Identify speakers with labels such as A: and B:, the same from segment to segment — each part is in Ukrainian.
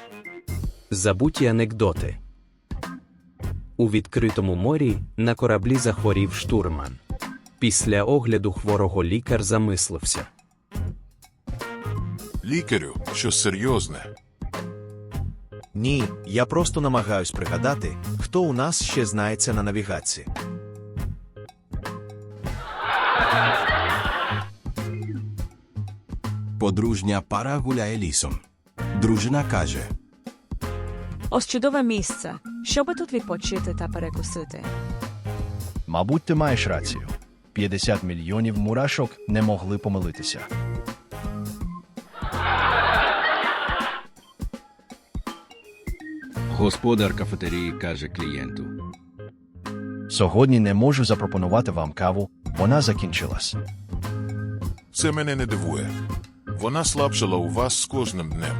A: Забуті анекдоти. У відкритому морі на кораблі захворів штурман. Після огляду хворого лікар замислився.
B: Лікарю, щось серйозне.
C: Ні, я просто намагаюсь пригадати, хто у нас ще знається на навігації.
D: Подружня пара гуляє лісом. Дружина каже:
E: Ось чудове місце, щоби тут відпочити та перекусити.
F: Мабуть, ти маєш рацію. 50 мільйонів мурашок не могли помилитися.
G: Господар кафетерії каже клієнту:
F: Сьогодні не можу запропонувати вам каву, вона закінчилась.
B: Це мене не дивує. Вона слабшала у вас з кожним днем.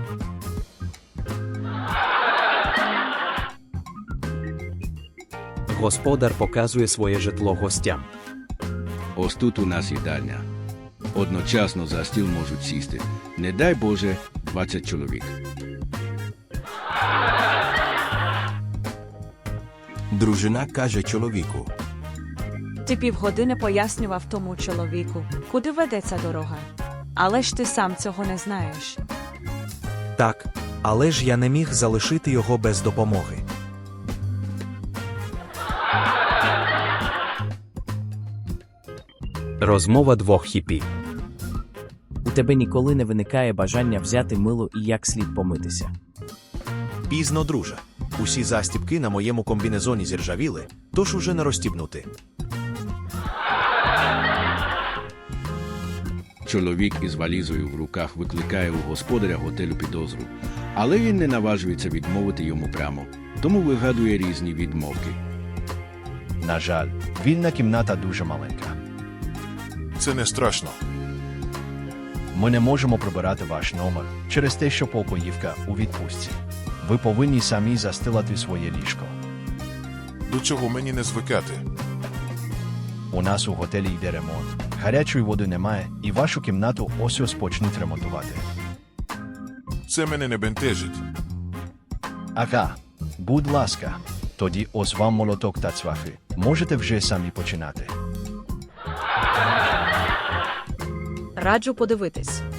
A: Господар показує своє житло гостям.
G: ось тут у нас їдальня. Одночасно за стіл можуть сісти, не дай Боже, 20 чоловік.
D: Дружина каже чоловіку:
E: Ти півгодини пояснював тому чоловіку, куди веде ця дорога. Але ж ти сам цього не знаєш.
C: Так, але ж я не міг залишити його без допомоги.
A: Розмова двох хіпі.
H: У тебе ніколи не виникає бажання взяти мило і як слід помитися.
C: Пізно, друже. Усі застібки на моєму комбінезоні зіржавіли, тож уже не розстібнути.
G: Чоловік із валізою в руках викликає у господаря готелю підозру, але він не наважується відмовити йому прямо, тому вигадує різні відмовки.
F: На жаль, вільна кімната дуже маленька.
B: Це не страшно.
F: Ми не можемо прибирати ваш номер через те, що покоївка у відпустці. Ви повинні самі застилати своє ліжко.
B: До чого мені не звикати?
F: У нас у готелі йде ремонт. Гарячої води немає, і вашу кімнату ось почнуть ремонтувати.
B: Це мене не бентежить.
F: Ага, будь ласка, тоді ось вам молоток та цвяхи. Можете вже самі починати.
E: Раджу подивитись.